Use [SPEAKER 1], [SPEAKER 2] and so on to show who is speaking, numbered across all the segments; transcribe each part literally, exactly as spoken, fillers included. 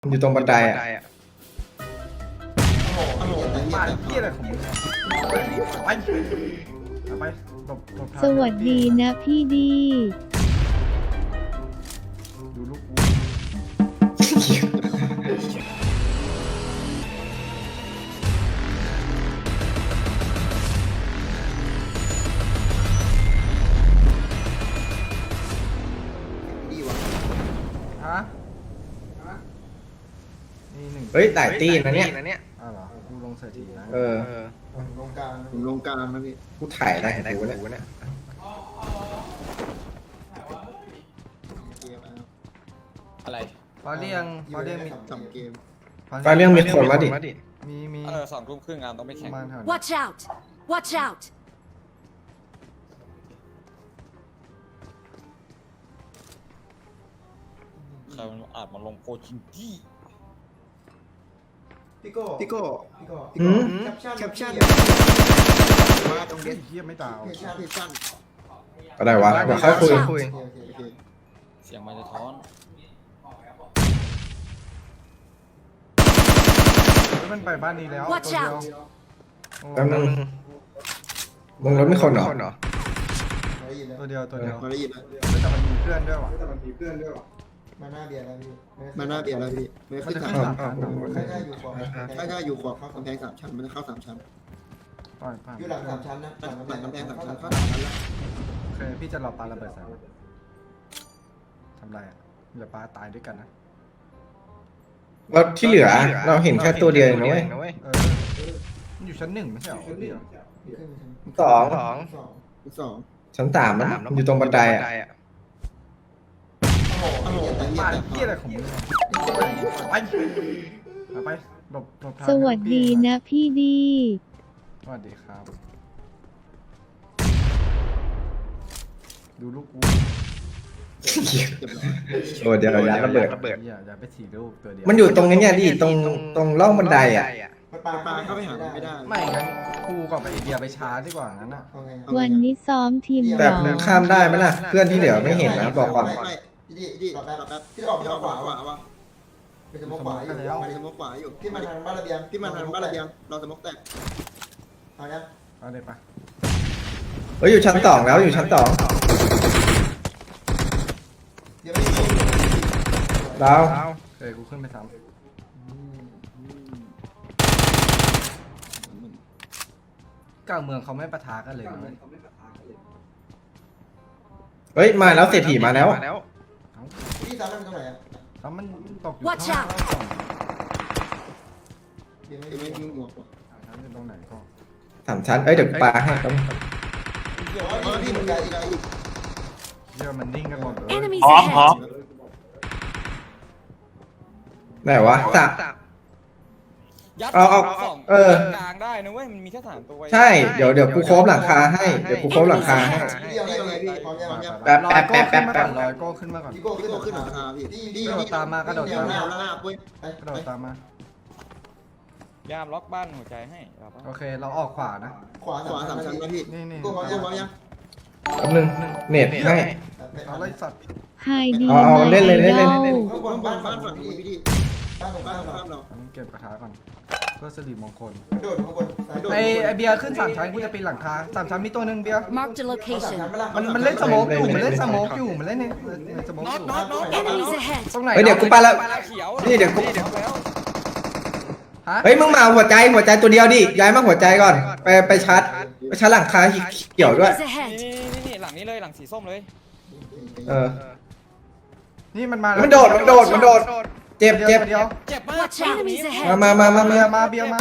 [SPEAKER 1] อยู่ตรงบันไดอ่ะ
[SPEAKER 2] มาเที่ยอะไรของมึงไปไปหลบหลบทาง
[SPEAKER 3] สวัสดีนะพี่ดี
[SPEAKER 2] ดูลูกกูฮะนี่หนึ่ง
[SPEAKER 1] เฮ้ยหลายตีนะเนี่ย
[SPEAKER 2] อ้าวเหรอกูลงสถิตินะ
[SPEAKER 1] เออ
[SPEAKER 4] ผมลงกลางผมลงกลางนะพี่
[SPEAKER 1] กูถ่ายได้แต่กูเนี่ย
[SPEAKER 4] เกมนะครับ
[SPEAKER 5] อะไร
[SPEAKER 2] ฟาเรียงฟาเรียงมี
[SPEAKER 4] ทำเกม
[SPEAKER 1] ตอนเรื่องมีคนแล้วดิ
[SPEAKER 2] มีมี
[SPEAKER 5] เออสองทุ่มครึ่งงานต้องไป
[SPEAKER 2] ป
[SPEAKER 5] แข่ง
[SPEAKER 2] ระมาณแถวนี้
[SPEAKER 3] Watch out Watch out
[SPEAKER 5] ใครมันอาจมาลงโคชิงกี้
[SPEAKER 4] พี่โก้พี่โก้พี่โก้
[SPEAKER 1] หืม
[SPEAKER 4] แคปชั่นแคปชั่นมาตรง
[SPEAKER 2] เฮ้
[SPEAKER 4] เด็
[SPEAKER 2] ย
[SPEAKER 4] ด
[SPEAKER 2] เฮียไม่ตาว
[SPEAKER 4] แคปชั่นแคปชั่น
[SPEAKER 1] ก็ได้วะเดี๋ยวค่อยคุย
[SPEAKER 4] โอเคโอเคโอเค
[SPEAKER 5] เสียงมันจะท้อน
[SPEAKER 2] เฮ้ยมันไปบ้านนี้แล้ว
[SPEAKER 3] Watch
[SPEAKER 2] ตัวเดียว
[SPEAKER 3] out
[SPEAKER 2] โอ้
[SPEAKER 1] แป๊บนึงมึงรถไม่คนเหรอ
[SPEAKER 4] มาได้ยินแล้ว
[SPEAKER 2] ตัวเดียวตัวเดียว
[SPEAKER 4] มาได้ยินแล้ว
[SPEAKER 2] ไม่แต่มันมีเพื่อนด้วยว่ะ
[SPEAKER 4] มาหน้าเบียร์แล้วพี่มาหน้าเบียร์แล้วพี่ไม่
[SPEAKER 2] มัน
[SPEAKER 4] ขึ้น
[SPEAKER 2] จะ
[SPEAKER 4] สาม
[SPEAKER 2] ขึ้น
[SPEAKER 4] ชั้
[SPEAKER 2] สาน มชั้นเหรอ
[SPEAKER 4] ไม่ได้อยู่ขวาไม่ได้อยู่ขวากำแพงสามชั้นมันจะเข้าสามชั้น
[SPEAKER 2] ปล่อยผ่าน
[SPEAKER 4] อยู่หลังสามชั้นนะหลังกำแพงสามชั้นเข้าสามชั้นแล้ว
[SPEAKER 2] โอเคพี่จะรอปาระเบิดใส่มันทำไรอ่ะเดี๋ยวปาตายด้วยกันนะ
[SPEAKER 1] เราที่เหลือเราเห็นแค่ตัวเดียวเองนะเว้ย
[SPEAKER 2] เออมันอยู่ชั้นหนึ่งไม่ใช่เหรอเดียว
[SPEAKER 4] ขึ้นไปชั้น
[SPEAKER 1] สอง
[SPEAKER 4] สองสอง
[SPEAKER 1] ชั้นสามมันอยู่ตรงบันไดอ่ะ
[SPEAKER 4] โอ้โห
[SPEAKER 2] มาเที่ยอะไรของมึงไปไปหลบหลบทาง
[SPEAKER 3] สวัสดีนะพี่ดี
[SPEAKER 2] สวัสดีครับ ดูลูกกู
[SPEAKER 1] โอ้เดี๋ยวยัดระเบิด
[SPEAKER 2] อย่าอย่าไปถีรูปตัวเดียว
[SPEAKER 1] มันอยู่ตรงนี้เนี่ยดิตรงตรงร่องบันไดอ่ะ
[SPEAKER 4] ปลาปลาเข้าไปหาไม่ได้
[SPEAKER 2] ไม่งั้นครูกับไอเดียไปช้าดีกว่างั้นอ่ะ
[SPEAKER 3] วันนี้ซ้อมทีม
[SPEAKER 1] แต่
[SPEAKER 3] ร้อง
[SPEAKER 1] ข้ามได้ไหมล่ะ เพื่อนที่เหลือไม่เห็นนะบอกก่อน
[SPEAKER 4] ไม่ดีดีรอแป๊บรอแป๊บพี่ออกพี่ออกขวาว่ะว่ะไปสมกขวาอยู่ไปสมกขวาอยู่พี่มาทางบ้านระเบียงพี่มาทางบ้านระเบียงเราสมกแตกเอาเนี่ย
[SPEAKER 2] เอาเลยปะ
[SPEAKER 1] เฮ้ยอยู่ชั้นสองแล้วอยู่ชั้นสอง
[SPEAKER 4] เดี๋ยวไม่ดี
[SPEAKER 1] ดาว
[SPEAKER 2] เคยกูขึ้นไปซ้ำกลางเมืองเขาไม่ปะทะกันเลยนะเว้ย
[SPEAKER 1] เฮ้ยมาแล้วเศรษฐีมาแล้ว
[SPEAKER 4] พี่ซ้ำมันตรงไหนอ่ะ
[SPEAKER 2] แล้วมันตกอยู่
[SPEAKER 3] Watch
[SPEAKER 2] ข้าง
[SPEAKER 3] out
[SPEAKER 2] ล่างก่อน
[SPEAKER 4] เดี๋ยวไม่มีหมวก
[SPEAKER 2] ชั้นอยู่ตรงไหนก็
[SPEAKER 1] สามชั้นเอ้ยเดี๋ยวปาให้ครับ
[SPEAKER 4] เดี๋ยวพี่มันไกลอีกไกลอีก
[SPEAKER 2] เดี๋ยวมันนิ่งกันหมดเลย
[SPEAKER 3] Enemies ahead
[SPEAKER 1] ไหนวะสาม
[SPEAKER 5] ยัด
[SPEAKER 1] เอาเอา
[SPEAKER 5] สอง
[SPEAKER 1] เออ
[SPEAKER 5] กลางได้นะเว้ยมันมีแค่สามตัว
[SPEAKER 1] ใช่ เดี๋ยวเดี๋ยวกูโค้งหลังคาให้เดี๋ยวกูโค้งหลังคาให้
[SPEAKER 4] เดี๋ยวไงพี่พร้อมยังพร้อมยัง
[SPEAKER 1] แป๊บ
[SPEAKER 2] ลอ
[SPEAKER 1] แป๊
[SPEAKER 2] ย
[SPEAKER 1] บ
[SPEAKER 2] โก้
[SPEAKER 1] แป๊บ
[SPEAKER 2] ขึ้น
[SPEAKER 1] แป๊
[SPEAKER 2] มา
[SPEAKER 1] บ
[SPEAKER 2] ก่
[SPEAKER 1] แป๊บ
[SPEAKER 2] อนลอยโก้ขึ้นมาก่อน
[SPEAKER 4] พี่โก้ขึ้นขึ้นหลังคาพี่ดีดี
[SPEAKER 2] กระโดดตามมากระโดดตามมา
[SPEAKER 4] หน้าหน้าปุ้ยไป
[SPEAKER 2] กระโดดตามมา
[SPEAKER 5] ยามล็อกบ้านหัวใจให้เราปะ
[SPEAKER 2] โอเคเราออกขวานะ
[SPEAKER 4] ขวาขวาสามชั้นนะพี่
[SPEAKER 2] นี่นี่
[SPEAKER 4] โก้พร้อมยังพร้อมยัง
[SPEAKER 1] แป๊บนึงเน็ตให้
[SPEAKER 2] เอาเลยสัตว์
[SPEAKER 3] ไฮดี
[SPEAKER 1] เอาเอาเล่นเลยเล่นเลย
[SPEAKER 3] ไอดอ
[SPEAKER 4] ข้างบนบ้านบ้านฝั่งนี้พี่ดีบ้านของบ้านของบ้านเรา
[SPEAKER 2] อันนี้เก็บกระทะก่อนเพื่อสิริมงคล
[SPEAKER 4] โดดข้างบนซ้ายโดด
[SPEAKER 2] ไอไอเบียร์ขึ้นสามชั้นกูจะปีนหลังคาสามชั้นมีตัวหนึ่งเบียร์
[SPEAKER 3] Marked a location
[SPEAKER 2] มันมันเล่นสโมกอยู่มันเล่นสโมกอยู่มันเล่นในในสโมก
[SPEAKER 5] น็อ
[SPEAKER 2] อ
[SPEAKER 5] ต
[SPEAKER 2] ยู่
[SPEAKER 5] น็อตน็อต
[SPEAKER 3] Enemies ahead
[SPEAKER 2] ตรงไหน
[SPEAKER 1] เฮ้ยเดี๋ยวกูไปแล้ว
[SPEAKER 5] ปลาเขียว
[SPEAKER 1] นี่เดี๋ยวกู
[SPEAKER 5] น็อตแล้ว
[SPEAKER 2] ฮะ
[SPEAKER 1] เฮ้ยมึงมาหัวใจหัวใจตัวเดียวดิย้ายมาหัวใจก่อน ไปไปชาร์จไปชาร์จหลังคาเกี่ยวด้วย
[SPEAKER 3] Enemies
[SPEAKER 5] นี่
[SPEAKER 3] ahead
[SPEAKER 5] นี่นี่นี่หลังนี้เลยหลังสีส้มเลย
[SPEAKER 1] เออ
[SPEAKER 2] นี่มันมา
[SPEAKER 1] มันโดดมันโดดมันโดดเจ็บเจ็บ
[SPEAKER 2] เดียว
[SPEAKER 5] เจ็บมาก
[SPEAKER 3] Watch out Enemies
[SPEAKER 1] มา
[SPEAKER 3] ahead
[SPEAKER 1] มามามา
[SPEAKER 2] เบี
[SPEAKER 1] มาย
[SPEAKER 2] ร์มาเบียร์มา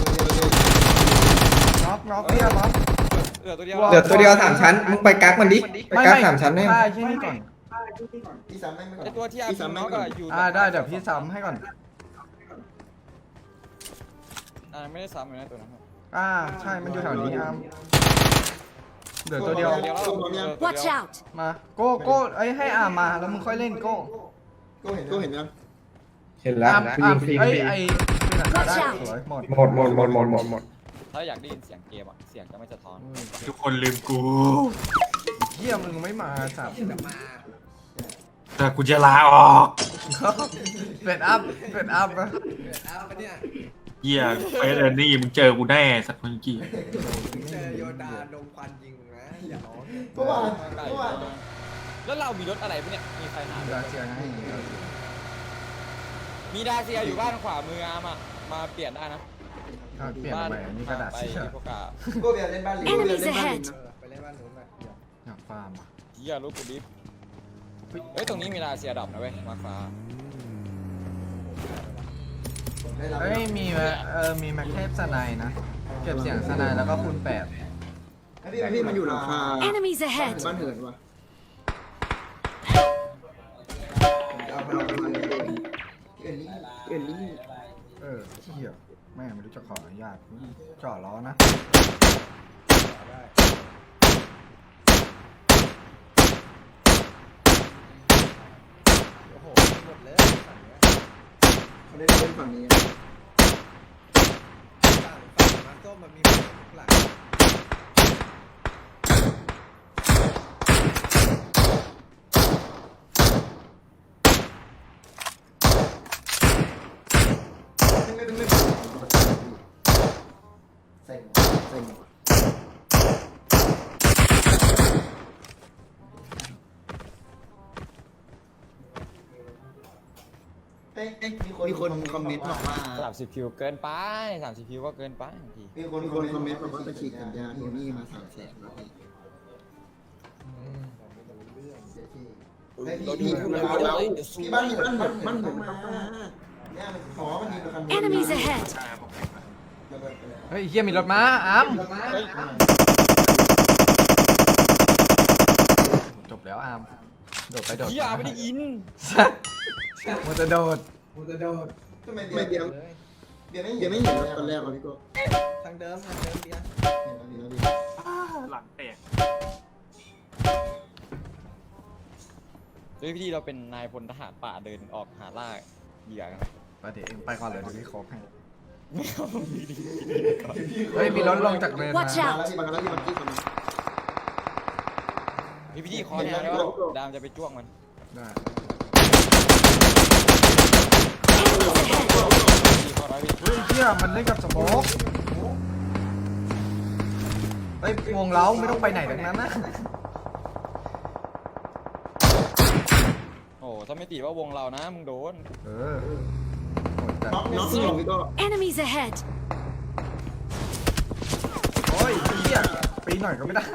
[SPEAKER 2] น็อกน็อกเบียร์น็อก
[SPEAKER 5] เหลือตัวเดียว
[SPEAKER 1] เหลือตัวเดียวสามชั้นมึงไปกักมันดิไปกักสามชั้นให้
[SPEAKER 2] ใช่ใช่นี่ก่อน
[SPEAKER 4] พี่ซ้ำไม่ไม่
[SPEAKER 5] ไอตัวที่อาร์มน็อกอะอยู่
[SPEAKER 2] อ่าได้เดี๋ยวพี่ซ้ำให้ก่อน
[SPEAKER 5] อ่าไม่ได้ซ้ำเลยนะตัวนั้น
[SPEAKER 2] อ่าใช่มันอยู่แถวนี้อาร์มเหลือตัวเดียว
[SPEAKER 5] ตัวเดียวแล้วเหลือตัวเดียว
[SPEAKER 3] Watch out
[SPEAKER 2] มาโก้โก้ไอ้ยให้อาร์มมาแล้วมึงค่อยเล่นโก้
[SPEAKER 4] ก็เห็นก็เห็นยัง
[SPEAKER 1] เห็นแล้ว
[SPEAKER 2] อาร์ม
[SPEAKER 1] ฟรี
[SPEAKER 2] อาร์ม
[SPEAKER 1] ฟรี
[SPEAKER 2] ไอ้
[SPEAKER 1] ฟรี
[SPEAKER 2] ไอ้เป็นหลังคาได้สวยหมด
[SPEAKER 1] หมดหมดหมดหมดหมดหมด
[SPEAKER 5] ถ้าอยากได้ยินเสียงเกมอะเสียงจะไม่สะท้อน
[SPEAKER 6] ทุกคนลืมกู
[SPEAKER 2] เฮียมึงไม่มาสับ
[SPEAKER 6] แต่กูจะลาออก
[SPEAKER 2] เป็ดอัพเป็ดอัพนะ
[SPEAKER 1] เอาไปเนี่ย
[SPEAKER 6] เหี้ยเฟสเออร์นี่มึงเจอกูแน่สัตว์คนกี้
[SPEAKER 1] เจอโยดาดงควันยิงนะอย่าร้อง
[SPEAKER 4] เมื่อวานเมื่อวาน
[SPEAKER 5] แล้วเรามีรถอะไรปะเนี่ยมีใครหา
[SPEAKER 2] ดาเซียให้
[SPEAKER 5] มีดาเซียอยู่บ้านขวามืออาร์มอะมาเปลี่ยนได้นะ
[SPEAKER 2] เอาเปลี่ยนทำไมนี่กระดาษ
[SPEAKER 5] ไป
[SPEAKER 2] เสีย
[SPEAKER 5] พวกกา
[SPEAKER 4] ก็เบียร์เล่นบ้านลิง
[SPEAKER 3] Enemies
[SPEAKER 4] เล่นบ้านลิง
[SPEAKER 3] ahead
[SPEAKER 4] นะ
[SPEAKER 1] ไปเล่นบ้านนู้นไป
[SPEAKER 2] อยากฟาร์มอ่ะ
[SPEAKER 5] เฮียรถกูดิฟเฮ้ยตรงนี้มีดาเซียดรอปนะเว้ยมาฟ้า
[SPEAKER 2] เฮ้ยมีแมเออมีแม็กเทปสไนด์นะเก็บเสียงสไนด์แล้วก็คูณแปด
[SPEAKER 4] พี่พี่มันอยู่หลังคา
[SPEAKER 3] Enemies ahead
[SPEAKER 4] บ้านเหินวะเอาไปเอาไปเอ็นนี่เอ็นนี่
[SPEAKER 2] เออเที่ยแม่ไม่รู้จะขออนุญาตจ่อล้อนะ
[SPEAKER 1] โอ้โหหมดเลยฝั่งเนี้ย
[SPEAKER 4] เขาได้เล่นฝั่งนี้
[SPEAKER 1] ฝั่งฝั่งมาส้มมันมีหลัง
[SPEAKER 4] ไม่ไม่ไม่เซ็งเซ็งเอ้ยมีคนคอมเมนต์บอกว่า
[SPEAKER 5] สามสิบคิวเกินไปสามสิบคิวก็เกินไปบางที
[SPEAKER 4] มีคนมีคนคอมเมนต์บอกว่าไปฉีดกันยาเฮนี่มาสามแสนแล้วพี่พี่พูดแล้วพี่บ้านอยู่บ้านบ้านผมมาเนี่ยมันขอมันมีคัน
[SPEAKER 3] Enemies ahead
[SPEAKER 2] เฮ้ยเฮียมีรถม้าอ้ามจบแล้วอามโดดไปโดด
[SPEAKER 5] เฮียไม่ได้ยิน
[SPEAKER 2] มันจะโดด
[SPEAKER 1] กูจะโดด
[SPEAKER 4] ทำไมเบียร์เบียร์ไม่เบียร์ไม่เห็นตอนแรกอ่ะพี่โก้
[SPEAKER 1] ทางเดิมทางเดิมเบียร์
[SPEAKER 4] เห็นแล้วดีแล้วดี
[SPEAKER 6] หลังแตก
[SPEAKER 5] โดยพี่เราเป็นนายพลทหารป่าเดินออกหาล่าเหยื่อกัน
[SPEAKER 2] ไปเดี๋ยวเองไปก่อนเลยเดี๋ยวพี่โคกให้
[SPEAKER 5] ไม่เอาดีดี
[SPEAKER 2] เฮ้ยมีรถลงจากเนินมา
[SPEAKER 3] Watch
[SPEAKER 4] มา
[SPEAKER 3] out
[SPEAKER 4] แล้วที่มาแล้วที่มันกี้คนนึง
[SPEAKER 5] พี่พี่คอแนวแล้วดามจะไปจ้วงมัน
[SPEAKER 2] ได้
[SPEAKER 5] พี่คอร้อยพี่
[SPEAKER 2] เฮ้ยเฮียมันเล่นกับสโมกเฮ้ยวงเล้าไม่ต้องไปไหนทั้งนั้นนะ
[SPEAKER 5] โอ้ถ้าไม่ติดว่าวงเรานะมึงโดน
[SPEAKER 2] เออโหดจัด
[SPEAKER 4] น้องน้องหลงพี่โก้
[SPEAKER 3] Enemies ahead
[SPEAKER 2] โอ้ยเฮียปีนหน่อยก็ไม่ได้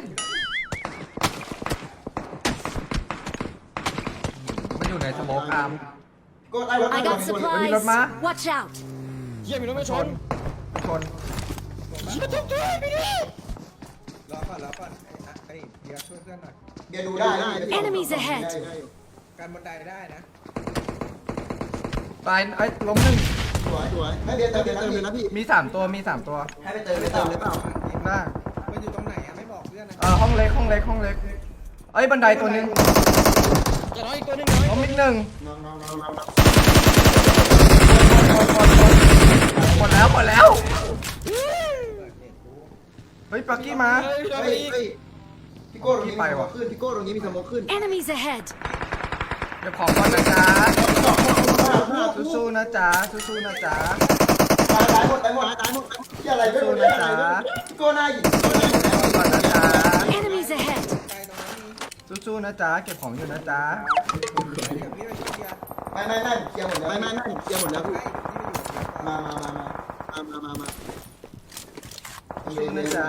[SPEAKER 2] มันอยู่ในสโมกอาร์ม
[SPEAKER 4] ก็ไล่รถ
[SPEAKER 3] I got
[SPEAKER 2] มี
[SPEAKER 3] supplies
[SPEAKER 2] รถม้า
[SPEAKER 3] Watch out
[SPEAKER 5] เฮียมีรถไม่ชน
[SPEAKER 2] ชน
[SPEAKER 5] เฮียทุบด้วยพี่ดิ
[SPEAKER 1] รอก่อนรอก่อนไอ้อะไอ้เบียร์ช่วยเพื่อนหน่อย
[SPEAKER 4] เบียร์ดูได้ได้
[SPEAKER 3] Enemies ahead
[SPEAKER 1] การบันไดได้นะ
[SPEAKER 2] ตายไอ้ล้มหนึ่ง
[SPEAKER 4] สวยสวยให้เบียร์เติมเบียร์เติมเลยนะพี่
[SPEAKER 2] มีสามตัวมีสามตัว
[SPEAKER 4] ให้ไปเติมไปเติมเลยเปล่า
[SPEAKER 2] ได้
[SPEAKER 1] มันอยู่ตรงไหนอะไม่บอกเพื่อนนะ
[SPEAKER 2] เออห้องเล็กห้องเล็กห้องเล็กเอ้ยบันไดตัวหนึง
[SPEAKER 5] จะน้อยอีกตัวหนึงน้อย
[SPEAKER 2] ล้มอีกหนึ่ง
[SPEAKER 4] น้องน้องน้องน้อง
[SPEAKER 2] หมดแล้วหมดแล้วเฮ้ยปักกี้มา
[SPEAKER 5] เฮ้ยพี่ดาว
[SPEAKER 4] เฮ้ย
[SPEAKER 5] พี่
[SPEAKER 4] เฮ้ยพี่โก้ตรงนี้มีสโมกขึ้นพี่โก้ตรงนี้มีสโมกขึ้น
[SPEAKER 3] Enemies ahead
[SPEAKER 2] เดี๋ยวขอก่อนนะจ๊ะสู้ๆนะจ๊ะสู้ๆนะจ๊ะ
[SPEAKER 4] ตายตายหมดตายหมดตายหมดที่อะไรไม่รู้เลยอะไรพี่โก้หน้าหยิบ
[SPEAKER 2] ก่อนนะจ๊ะ
[SPEAKER 3] Enemies ahead
[SPEAKER 1] ใกล้ตรงนั้นมี
[SPEAKER 2] สู้ๆนะจ๊ะเก็บของอยู่นะจ๊ะ
[SPEAKER 1] เดี๋ยวพี่ไปช่วยเบียร์
[SPEAKER 4] ไม่ไม่ไม่เคลียร์หมดแล้วไม่ไม่ไม่เคลียร์หมดแล้วพี่
[SPEAKER 1] ใกล้พี่ไปอยู่เบียร์ก่อน
[SPEAKER 4] มามามามามามามา
[SPEAKER 2] สู้นะจ๊ะ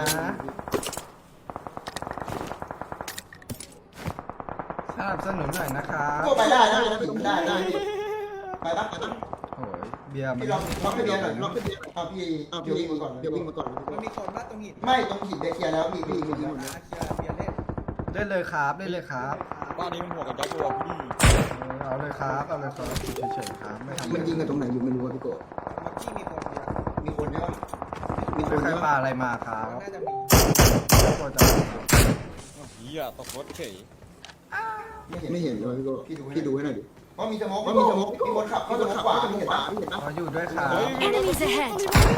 [SPEAKER 2] สนับสนุนหน่อยนะครับ
[SPEAKER 4] ก็ไปได้ได้นะพี่ได้ได้ไปปะไปปะ
[SPEAKER 2] โอ้ยเบียร์มัน
[SPEAKER 4] พี่ลองล็อกให้เบียร์หน่อยล็อกให้เบียร์เอาพี่เอาพี่วิ่งมาก่อนเดี๋ยววิ่งมาก่อน
[SPEAKER 1] มันมีคนว่าตรงหิน
[SPEAKER 4] ไม่ตรงหินเบียร์เคลียร์แล้วพี่พี่เคลียร์หมดแล้ว
[SPEAKER 1] เคลียร์เบียร์เล่น
[SPEAKER 2] เล่นเลยครับเล่นเลยครับ
[SPEAKER 5] บ้านนี้มันหัวกับยักษ์ตัวพี่
[SPEAKER 2] เออเอาเลยครับเอาเลยครับเฉยๆครับไม่ทำ
[SPEAKER 4] มันยิงกันตรงไหนอยู่ไม่รู้พี่โก้
[SPEAKER 1] เมื่อกี้มีคนเบียร์
[SPEAKER 4] มีคนใช่ปะมีค
[SPEAKER 2] เป็น
[SPEAKER 4] น
[SPEAKER 2] ใคร
[SPEAKER 4] ใช่
[SPEAKER 2] ปลา
[SPEAKER 4] ปะ
[SPEAKER 2] อะไรมาครับ
[SPEAKER 1] น่าจะมี
[SPEAKER 2] ตัวจะ
[SPEAKER 5] เฮียตกรถเฉย
[SPEAKER 4] ไม่เห็นเลยพี่โก้พี่ดูให้หน่อยดิเพราะมีสโมกเพราะมีสโมกมีคนขับมีคนขับขวาพี่เห็นปะพี่เห็นปะ
[SPEAKER 2] ขออยู่ด้วยครับ
[SPEAKER 3] Enemies ahead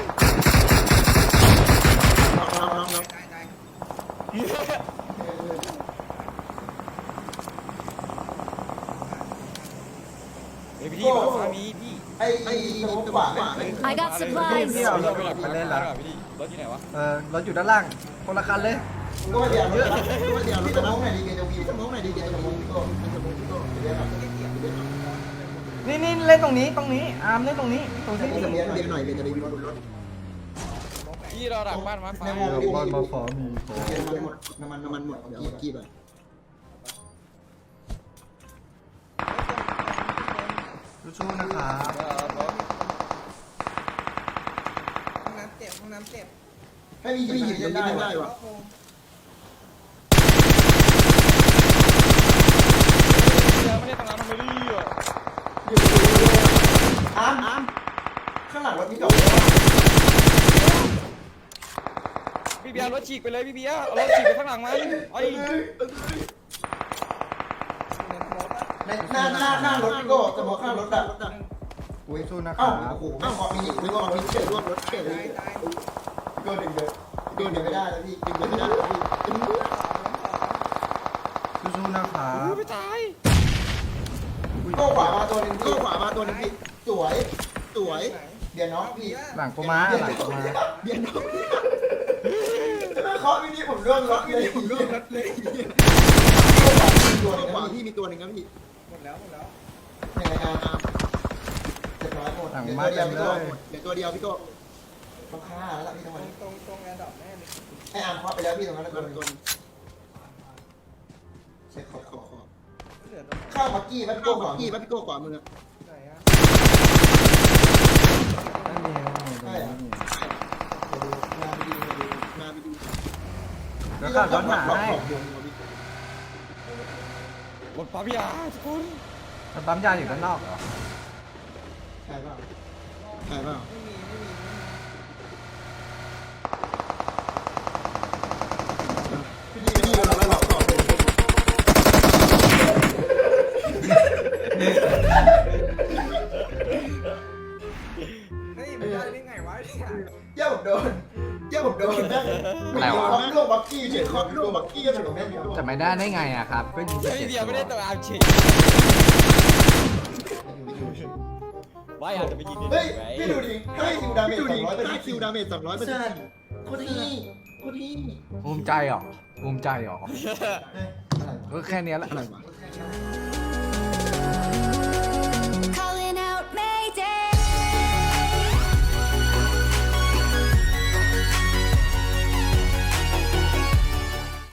[SPEAKER 4] น้องน้องน้องน้อง
[SPEAKER 1] ได้ได้
[SPEAKER 5] เฮ้ยพี่มาฟ้ามีพี่
[SPEAKER 4] ไอ้ไอ้สมองขวา
[SPEAKER 3] I got
[SPEAKER 2] พี่
[SPEAKER 3] supplies
[SPEAKER 2] พี่เอารถไปเล่นละ
[SPEAKER 5] พี่รถที่ไหนวะ
[SPEAKER 2] เออรถอยู่ด้านล่างคนละคันเลย
[SPEAKER 4] ก็ไม่เดียวก็ไม่เดียวพี่สมองไหนดีเกจะวิวสมองไหนดีเกจะวิวพี่โก้พี่สมองพี่โก้เดี๋ยวครับ
[SPEAKER 2] นี่นี่เล่นตรงนี้ตรงนี้อาร์มเล่นตรงนี้ตรงที่
[SPEAKER 4] พี่สมองเดียวหน่อยเดี๋ยวจะรีวิวรถ
[SPEAKER 5] พี่เราดักบ้านมาฟ้า
[SPEAKER 2] เดี๋ยวบอลมาขอมีขอ
[SPEAKER 4] น้ำมันหมดน้ำมันน้ำมันหมดเดี๋ยวกี้ไป
[SPEAKER 2] สู้ๆนะครับ
[SPEAKER 1] ห้องน้ำเจ็บห้องน้ำเจ็บ
[SPEAKER 4] ให้มีหยิบได้ได้วะ
[SPEAKER 5] เราไม่ได้ทำงานทำไมดิอ่ะ
[SPEAKER 4] อาร์มอาร์มข้างหลังรถมีดอก
[SPEAKER 5] พี่เบียร์รถฉีกไปเลยพี่เบียร์เอารถฉีกไปข้างหลังมันไอ้
[SPEAKER 4] หน้าหน้าหน้ารถพี่โก้สมองข้างรถอะ
[SPEAKER 2] อุ้ยสู้นะค
[SPEAKER 4] เอ้า
[SPEAKER 2] รับ
[SPEAKER 4] โอ้โหไม่พอมีหยิบไม่พอมีเฉยร่วมรถเฉยเลย พี่โก้ดึงเดินพี่โก้ดึงไม่ได้แล้วพี่ดึงไม่ได้แล้วพี่
[SPEAKER 2] สู้ๆนะครับ
[SPEAKER 5] ไม่ตาย
[SPEAKER 4] พี่โก้ขวามาตัวหนึ่งพี่โก้ขวามาตัวหนึ่งพี่สวยสวยเดี๋ยวน้องพี่
[SPEAKER 2] หลังกูมาหลังกูมา
[SPEAKER 4] เดี๋ยวน้องเคาะวินี่ผมร่วงรถเลยผมร่วงรถเลยตัวขวาพี่มีตัวหนึ่งครับพี่หมดแล้วหมดแล้วยังไงครับเจ็ดร้อยหมด
[SPEAKER 2] หลัง
[SPEAKER 4] เดี๋ยว
[SPEAKER 2] มา
[SPEAKER 4] ตัวเดี
[SPEAKER 2] เต็
[SPEAKER 4] ยว
[SPEAKER 2] ม
[SPEAKER 4] พี่
[SPEAKER 2] เล
[SPEAKER 4] โก้
[SPEAKER 2] ย
[SPEAKER 4] เดี๋ยวตัวเดียวพี่โก้ต้องฆ่าแล้วล่ะพี่ทั้งวันตรงตรงแอร์ดรอปแน่เลยไอ้อาร์มเคาะไปแล้วพี่ตรงนั้นแล้วตัวหนึ่งเช็คขอบขอบขอบข้าวมักกี้ป่ะพี่โก้ขวากี้ป่ะพี่โก้ขวามือ
[SPEAKER 2] ไม่มีไม่มีไม่มี
[SPEAKER 4] มาไปดูมาไปดู
[SPEAKER 2] แล้วขับรถหาให้
[SPEAKER 5] หมดปั๊บยาทุกคน
[SPEAKER 2] มันปั๊มยาอยู่ด้านนอกเหรอ
[SPEAKER 4] ใช่เปล่าใช่เปล่าพี่ดีพี่ดีเราเราหลอกต่อไป
[SPEAKER 1] เฮ้ยมันได้ไงวะเนี่ย
[SPEAKER 4] เจ้าผมโดนเจ้าผมโดนนั่งคอมโลบักกี้เฉยคอมโลบักกี้ก็ถูกแม่น
[SPEAKER 2] จะไม่ได้ได้ไงอะครับก็ยิงไป
[SPEAKER 5] พี่
[SPEAKER 2] เจ็ด
[SPEAKER 5] เบียร์ไม่ได้
[SPEAKER 2] ตั
[SPEAKER 5] ตัว
[SPEAKER 2] ว
[SPEAKER 5] อาร์มฉีกไม่อาจจะไปยิง
[SPEAKER 4] เฮ้ยพี่ดูดิให้คิวดาเมจสองร้อยให้คิวดาเมจสองร้อยเปอร์เซ็นต์โคตรดีโคตรดี
[SPEAKER 2] ภูมิใจเหรอภูมิใจเหรอก็แค่เนี้ยแหละ
[SPEAKER 4] อะไรวะ